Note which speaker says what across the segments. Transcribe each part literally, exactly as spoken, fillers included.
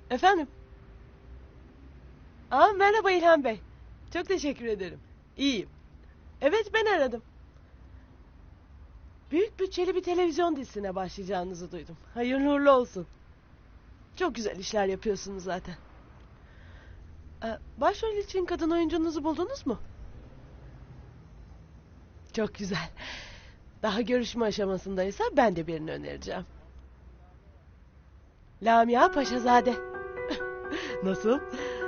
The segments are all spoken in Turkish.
Speaker 1: Efendim? Aa, merhaba İlhan Bey. Çok teşekkür ederim. İyiyim. Evet, ben aradım. Büyük bütçeli bir televizyon dizisine başlayacağınızı duydum. Hayırlı uğurlu olsun. Çok güzel işler yapıyorsunuz zaten. Ee, başrol için kadın oyuncunuzu buldunuz mu? Çok güzel. Daha görüşme aşamasındaysa ben de birini önereceğim. Lamia Paşazade. Nasıl?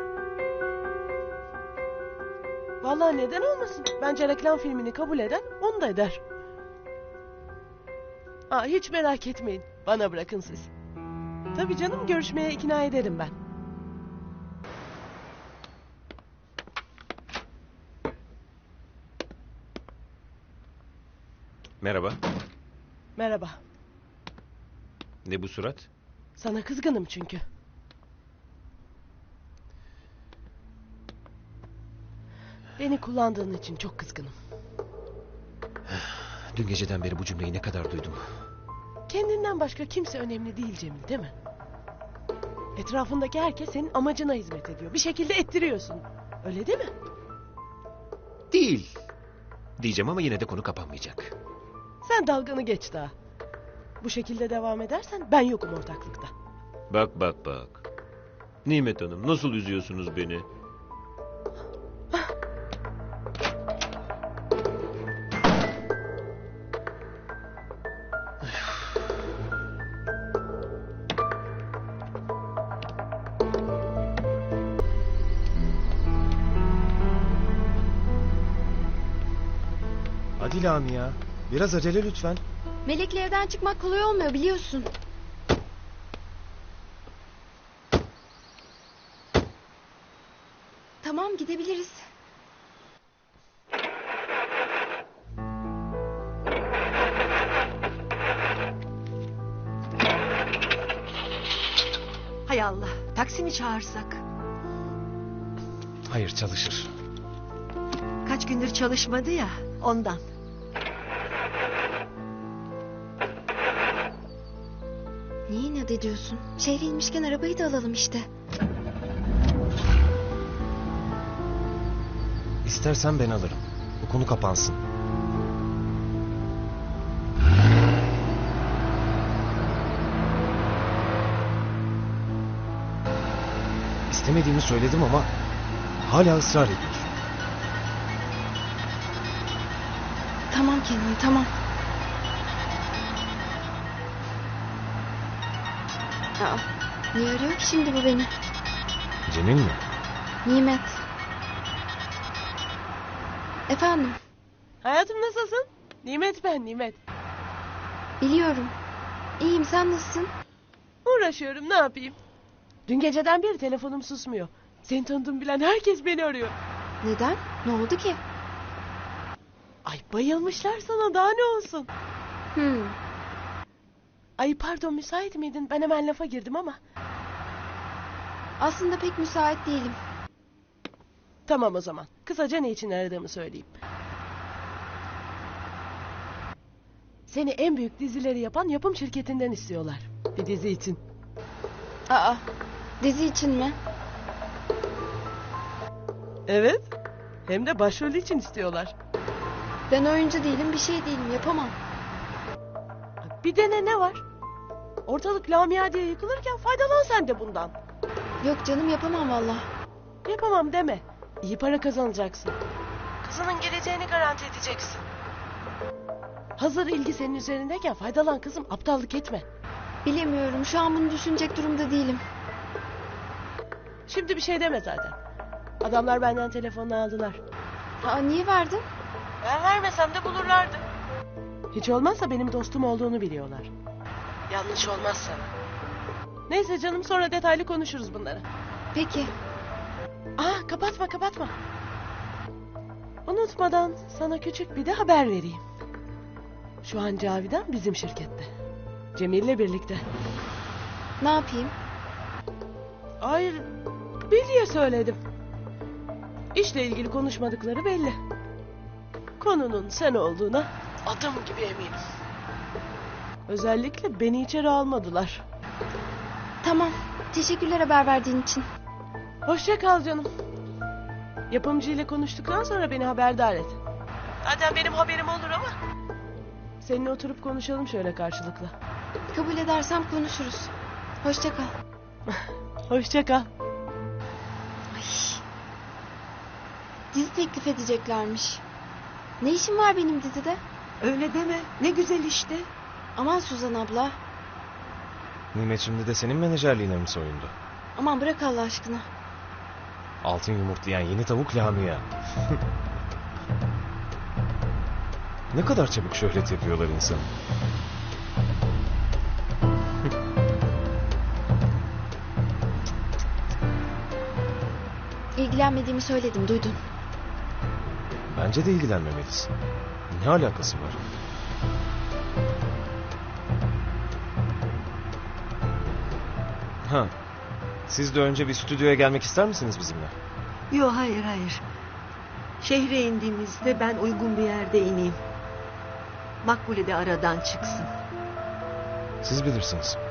Speaker 1: Vallahi neden olmasın? Bence reklam filmini kabul eden onu da eder. Aa, hiç merak etmeyin. Bana bırakın siz. Tabii canım, görüşmeye ikna ederim ben.
Speaker 2: Merhaba.
Speaker 1: Merhaba.
Speaker 2: Ne bu surat?
Speaker 1: Sana kızgınım çünkü. Beni kullandığın için çok kızgınım.
Speaker 2: Dün geceden beri bu cümleyi ne kadar duydum.
Speaker 1: Kendinden başka kimse önemli değil Cemil, değil mi? Etrafındaki herkes senin amacına hizmet ediyor. Bir şekilde ettiriyorsun. Öyle değil mi?
Speaker 2: Değil. Diyeceğim ama yine de konu kapanmayacak.
Speaker 1: Sen dalganı geç daha. Bu şekilde devam edersen ben yokum ortaklıkta.
Speaker 2: Bak bak bak. Nimet Hanım, nasıl üzüyorsunuz beni?
Speaker 3: Hadi Lamia. Biraz acele lütfen.
Speaker 4: Melek'le evden çıkmak kolay olmuyor biliyorsun. Tamam, gidebiliriz.
Speaker 5: Hay Allah, taksi mi çağırsak?
Speaker 3: Hayır, çalışır.
Speaker 5: Kaç gündür çalışmadı ya, ondan.
Speaker 4: Niye inat ediyorsun? Şehre inmişken arabayı da alalım işte.
Speaker 3: İstersen ben alırım. Bu konu kapansın. İstemediğimi söyledim ama hala ısrar ediyor.
Speaker 4: Tamam Kenan, tamam. Aa, niye arıyor ki şimdi bu beni?
Speaker 3: Cemil mi?
Speaker 4: Nimet. Efendim,
Speaker 1: Hayatım, nasılsın? Nimet ben, Nimet.
Speaker 4: biliyorum. İyiyim, sen nasılsın?
Speaker 1: Uğraşıyorum, ne yapayım? Dün geceden beri telefonum susmuyor. Seni tanıdığımı bilen herkes beni arıyor.
Speaker 4: Neden? Ne oldu ki?
Speaker 1: Ay, bayılmışlar sana, daha ne olsun?
Speaker 4: Hmm.
Speaker 1: Ay pardon, müsait miydin? Ben hemen lafa girdim ama.
Speaker 4: Aslında pek müsait değilim.
Speaker 1: Tamam o zaman. Kısaca ne için aradığımı söyleyeyim. Seni en büyük dizileri yapan yapım şirketinden istiyorlar. Bir dizi için.
Speaker 4: Aa, dizi için mi?
Speaker 1: Evet. Hem de başrolü için istiyorlar.
Speaker 4: Ben oyuncu değilim, bir şey değilim, yapamam.
Speaker 1: Bir dene, ne var? Ortalık Lamia diye yıkılırken faydalan sen de bundan.
Speaker 4: Yok canım, yapamam valla.
Speaker 1: Yapamam deme. İyi para kazanacaksın. Kızının geleceğini garanti edeceksin. Hazır ilgi senin üzerindeyken faydalan kızım, aptallık etme.
Speaker 4: Bilemiyorum, şu an bunu düşünecek durumda değilim.
Speaker 1: Şimdi bir şey deme zaten. Adamlar benden telefonunu aldılar.
Speaker 4: Aa, niye verdin?
Speaker 1: Ben vermesem de bulurlardı. Hiç olmazsa benim dostum olduğunu biliyorlar. Yanlış olmaz sana. Neyse canım, sonra detaylı konuşuruz bunları.
Speaker 4: Peki.
Speaker 1: Aa, kapatma kapatma. Unutmadan sana küçük bir de haber vereyim. Şu an Cavidan bizim şirkette. Cemil'le birlikte.
Speaker 4: Ne yapayım?
Speaker 1: Hayır, bil diye söyledim. İşle ilgili konuşmadıkları belli. Konunun sen olduğuna adım gibi eminim. Özellikle beni içeri almadılar.
Speaker 4: Tamam. Teşekkürler haber verdiğin için.
Speaker 1: Hoşça kal canım. Yapımcı ile konuştuktan sonra beni haberdar et. Zaten benim haberim olur ama. Seninle oturup konuşalım şöyle karşılıklı.
Speaker 4: Kabul edersem konuşuruz. Hoşça kal.
Speaker 1: Hoşça kal.
Speaker 4: Ay. Dizi teklif edeceklermiş. Ne işim var benim dizide?
Speaker 5: Öyle deme. Ne güzel işte.
Speaker 4: Aman Suzan abla.
Speaker 3: Nimet şimdi de senin menajerliğine mi soyundu?
Speaker 4: Aman bırak Allah aşkına.
Speaker 3: Altın yumurtlayan yeni tavuk Lamia. Ne kadar çabuk şöhret yapıyorlar insan.
Speaker 4: İlgilenmediğimi söyledim, duydun.
Speaker 3: Bence de ilgilenmemelisin. Ne alakası var? Ha. Siz de önce bir stüdyoya gelmek ister misiniz bizimle?
Speaker 5: Yok hayır hayır. Şehre indiğimizde ben uygun bir yerde ineyim. Makbule de aradan çıksın.
Speaker 3: Siz bilirsiniz.